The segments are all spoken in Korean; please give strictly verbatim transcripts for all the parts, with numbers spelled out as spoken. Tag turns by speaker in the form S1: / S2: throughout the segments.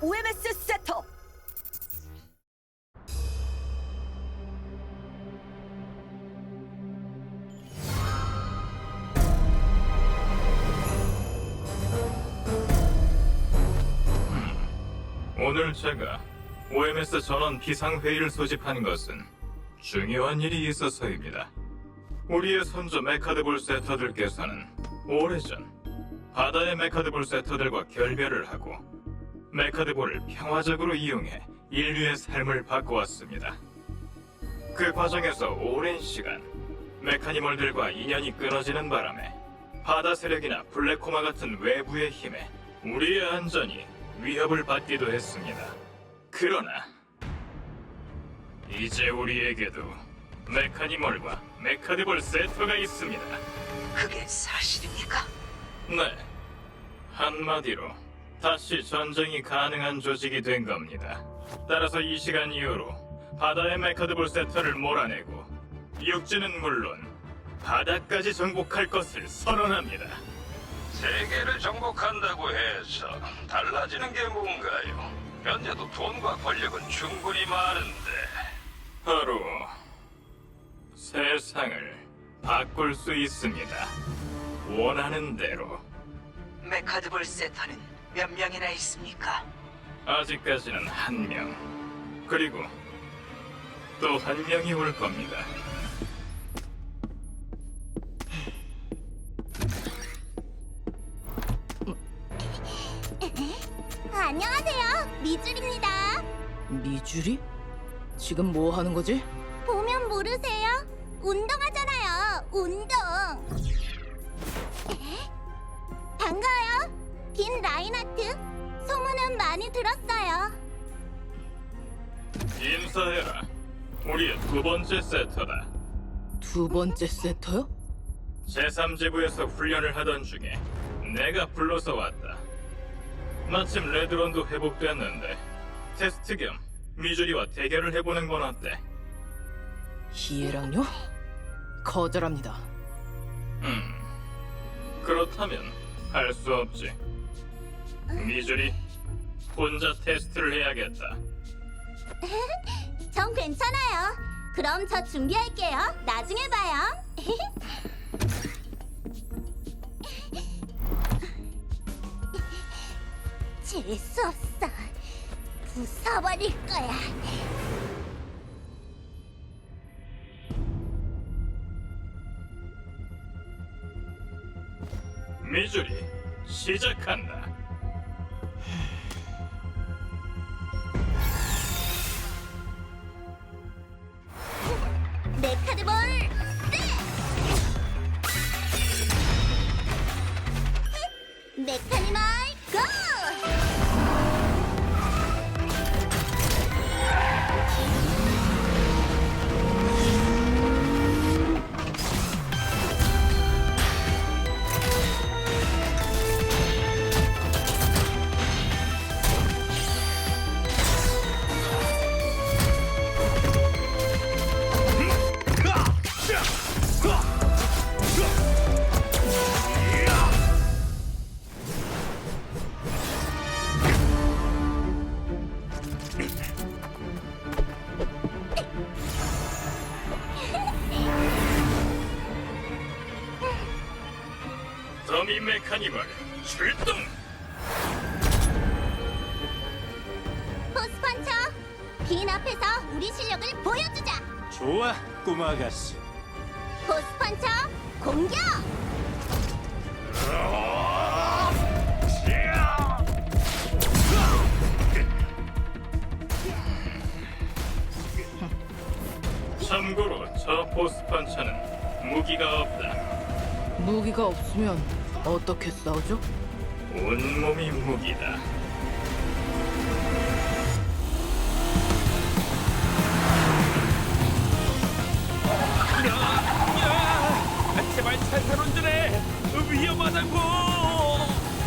S1: 오엠에스 셋업.
S2: 오늘 제가 오엠에스 전원 비상회의를 소집한 것은 중요한 일이 있어서입니다. 우리의 선조 메카드볼 세터들께서는 오래전 바다의 메카드볼 세터들과 결별을 하고 메카드볼을 평화적으로 이용해 인류의 삶을 바꿔왔습니다. 그 과정에서 오랜 시간 메카니멀들과 인연이 끊어지는 바람에 바다 세력이나 블랙코마 같은 외부의 힘에 우리의 안전이 위협을 받기도 했습니다. 그러나 이제 우리에게도 메카니멀과 메카드볼 세터가 있습니다.
S1: 그게 사실입니까?
S2: 네, 한마디로 다시 전쟁이 가능한 조직이 된 겁니다. 따라서 이 시간 이후로 바다의 메카드볼 세터를 몰아내고 육지는 물론 바다까지 정복할 것을 선언합니다.
S3: 세계를 정복한다고 해서 달라지는 게 뭔가요? 현재도 돈과 권력은 충분히 많은데.
S2: 바로 세상을 바꿀 수 있습니다. 원하는 대로.
S1: 메카드볼 세터는 몇 명이나 있습니까?
S2: 아직까지는 한 명. 그리고 또 한 명이 올 겁니다.
S4: 안녕하세요, 미줄입니다.
S5: 미주리? 지금 뭐 하는 거지?
S4: 보면 모르세요? 운동하잖아요, 운동. 반가워요, 빈 라인하트. 소문은 많이 들었어요.
S2: 인사해라. 우리의 두 번째 세터다.
S5: 두 번째 세터요?
S2: 제삼 지부에서 훈련을 하던 중에 내가 불러서 왔다. 마침 레드론도 회복됐는데 테스트 겸 미주리와 대결을 해보는 건 어때?
S5: 희애랑요? 거절합니다.
S2: 음, 그렇다면 할 수 없지. 미주리, 혼자 테스트를 해야겠다.
S4: 전 괜찮아요. 그럼 저 준비할게요. 나중에 봐요. 재수 없어. 부숴버릴 거야.
S2: 미주리, 시작한다.
S4: 메카드볼 네! 메카니멀 고!
S2: 더미 메카니멀 출동!
S4: 포스펀처! 빈 앞에서 우리 실력을 보여주자!
S6: 좋아, 꼬마 아가씨.
S4: 포스펀처 공격!
S2: 참고로 저 포스펀처는 무기가 없다.
S5: 무기가 없으면 어떻게 싸우죠?
S2: 온몸이 무기다.
S6: 아, 제발 살살 운전해. 위험하다고.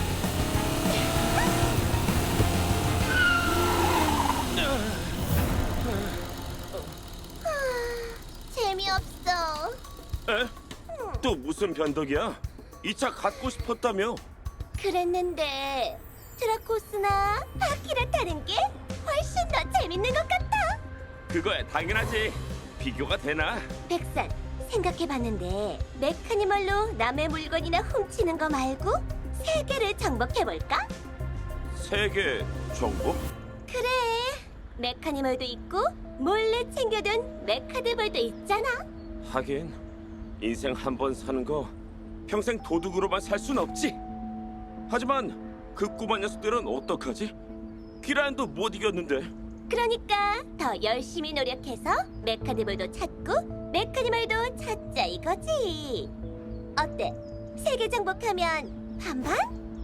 S4: 재미없어.
S6: 에? 또 무슨 변덕이야? 이 차 갖고 싶었다며?
S4: 그랬는데 드라코스나 바퀴를 타는 게 훨씬 더 재밌는 것 같아.
S6: 그거야 당연하지. 비교가 되나?
S4: 백산, 생각해봤는데 메카니멀로 남의 물건이나 훔치는 거 말고 세계를 정복해볼까?
S6: 세계 정복?
S4: 그래, 메카니멀도 있고 몰래 챙겨둔 메카드볼도 있잖아.
S6: 하긴 인생 한 번 사는 거 평생 도둑으로만 살 순 없지. 하지만 그 꼬마 녀석들은 어떡하지? 기란도 못 이겼는데.
S4: 그러니까 더 열심히 노력해서 메카드볼도 찾고 메카니멀도 찾자 이거지. 어때? 세계 정복하면 반반?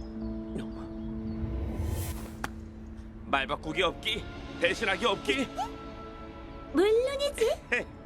S6: 말 바꾸기 없기, 배신하기 없기.
S4: 물론이지.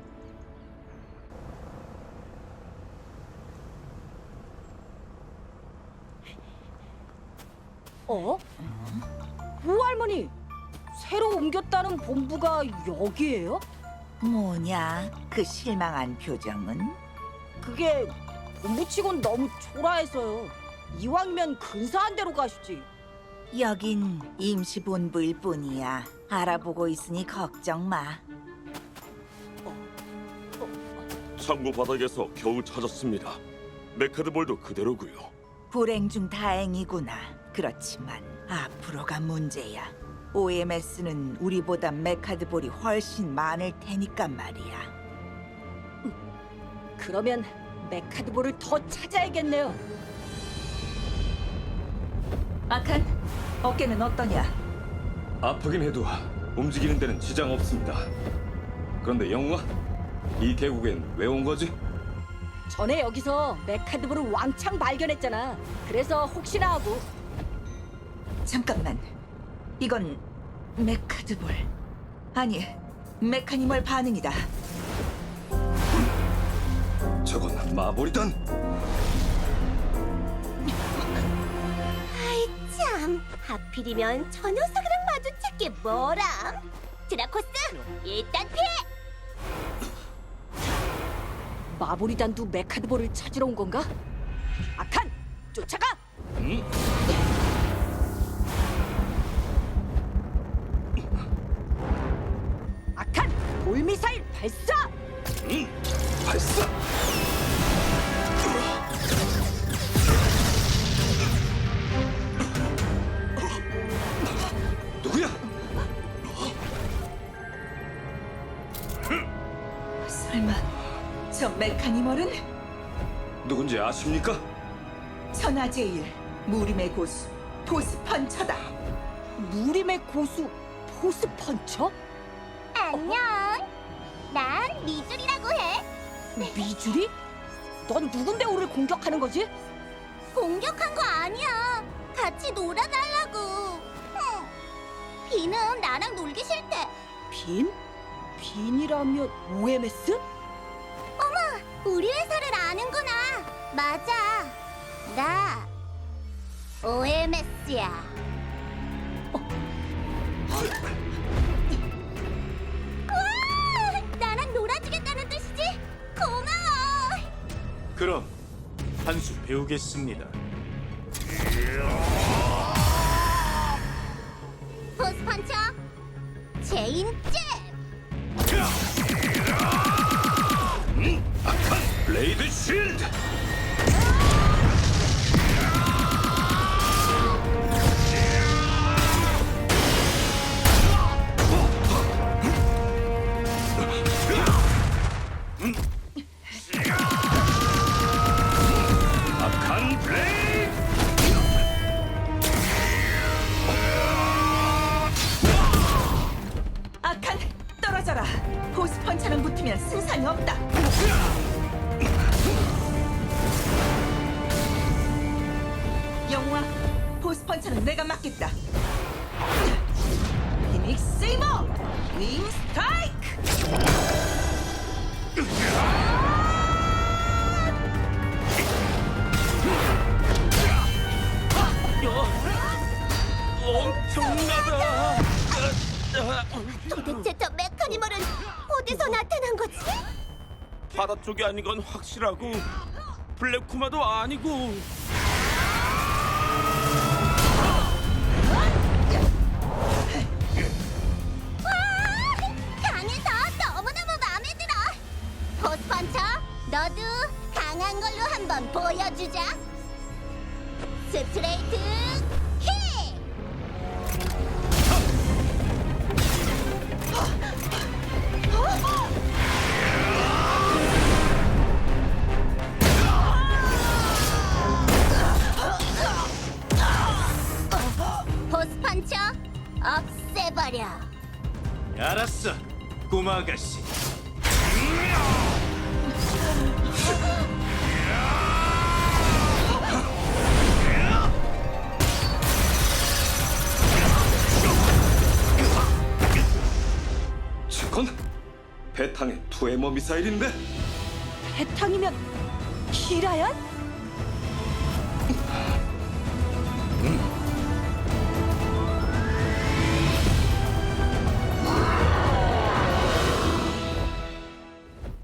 S7: 어? 우할머니, 새로 옮겼다는 본부가 여기예요?
S1: 뭐냐? 그 실망한 표정은?
S7: 그게 본부치곤 너무 초라해서요. 이왕이면 근사한 데로 가시지.
S1: 여긴 임시본부일 뿐이야. 알아보고 있으니 걱정 마.
S6: 창고 바닥에서 겨우 찾았습니다. 메카드볼도 그대로고요.
S1: 불행 중 다행이구나. 그렇지만 앞으로가 문제야. 오엠에스는 우리보다 메카드볼이 훨씬 많을 테니까 말이야.
S7: 그러면 메카드볼을 더 찾아야겠네요.
S1: 아칸, 어깨는 어떠냐?
S8: 아프긴 해도 움직이는 데는 지장 없습니다. 그런데 영웅아, 이 계곡엔 왜 온 거지?
S7: 전에 여기서 메카드볼을 왕창 발견했잖아. 그래서 혹시나 하고.
S1: 잠깐만. 이건 메카드볼. 아니, 메카니멀 반응이다.
S8: 저건 마블이단.
S4: 아이 참, 하필이면 저 녀석이랑 마주칠 게 뭐람? 드라코스, 일단 피해!
S7: 마보리단도 메카드볼을 찾으러 온 건가? 아칸, 쫓아가! 아칸, 돌미사일 발사!
S8: 발사! 누구야?
S1: 설마 저 메카니멀은
S8: 누군지 아십니까?
S1: 천하제일 무림의 고수 보스펀처다.
S7: 무림의 고수 포스펀처?
S4: 안녕, 난 미줄이라고 해.
S7: 미주리? 넌 누군데 우리를 공격하는 거지?
S4: 공격한 거 아니야. 같이 놀아달라고. 흠. 비는 나랑 놀기 싫대.
S7: 빈? 빈이라면 오엠에스?
S4: 우리 회사를 아는구나. 맞아. 나 오엠에스야. 와! 나랑 놀아주겠다는 뜻이지? 고마워.
S6: 그럼 한 수 배우겠습니다.
S4: 포스펀처 제인제.
S6: 블레이드 쉴드! 아칸 블레이드!
S1: 아칸, 떨어져라. 보스펀처랑 붙으면 승산이 없다. 영웅아, 보스펀처는 내가 맡겠다. 피닉스 세이버, 윙 스트라이크!
S6: 엄청나다!
S4: 도대체 저 메카니멀은 어디서 나타난 거지?
S6: 바다 쪽이 아닌 건 확실하고 블랙쿠마도 아니고
S4: 스트레이트 킥! 포스 펀쳐 없애버려.
S9: 알았어, 꼬마 아가씨.
S8: 저건 배탕의 투에머 미사일인데.
S7: 배탕이면 기라얀?